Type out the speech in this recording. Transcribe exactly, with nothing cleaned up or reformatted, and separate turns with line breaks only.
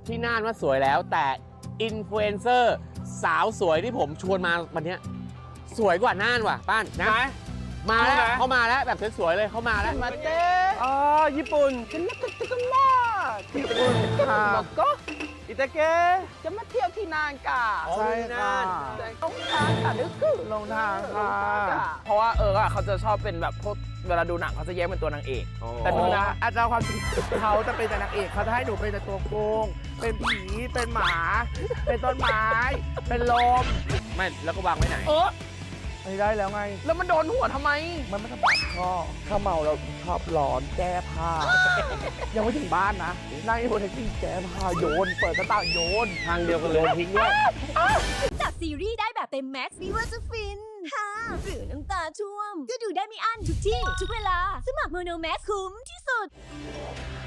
ที่น่านว่าสวยแล้วแต่อินฟลูเอนเซอร์สาวสวยที่ผมชวนมาวันนี้สวยกว่าน่านว่ะป้านนะมาแล้วเขามาแล้วแบบสวยๆเลยเขามาแล้ว
มาเต้อ๋อญี่ปุ่นฉันนักตึกมาญี่ปุ่นค่ะแล้วก็อิตาเกะจะมาเที่ยวที่นานกะ
ใช่ค่ะ
ลงทางค่ะนึกคือลงทางค่ะเพราะว่าเออเขาจะชอบเป็นแบบพวกเวลาดูหนังเขาจะแยกเป็นตัวนางเอกแต่ดูนะอาจารย์ความจริงเขาจะเป็นแต่นางเอกเขาจะให้หนูเป็นแต่ตัวโกงเป็นผีเป็นหมา เป็นต้นไม้เป็นลม
ไม่แล้วก็วางไว้ไหน
เออไม่ได้แล้วไงแล้วมันโดนหัวทำไมมันไม่ทำแบบชอบถ้าเมาเราชอบร้อนแก้ผ้า ยังไม่ถึงบ้านนะนั่งอยู่บนแท็กซี่แก้ผ้าโยนเปิดหน้าต่างโยน
ทางเดียวกันเลยทิ้งด้วย
จากซีรีส์ได้แบบเต็มแม็กซ์ไม่ว่าจะฟินฮ่าหรือน้ำตาท่วม ก็ดูได้ไม่อั้นทุกที่ ทุกเวลา สมัครโมโนแม็กคุ้มที่สุด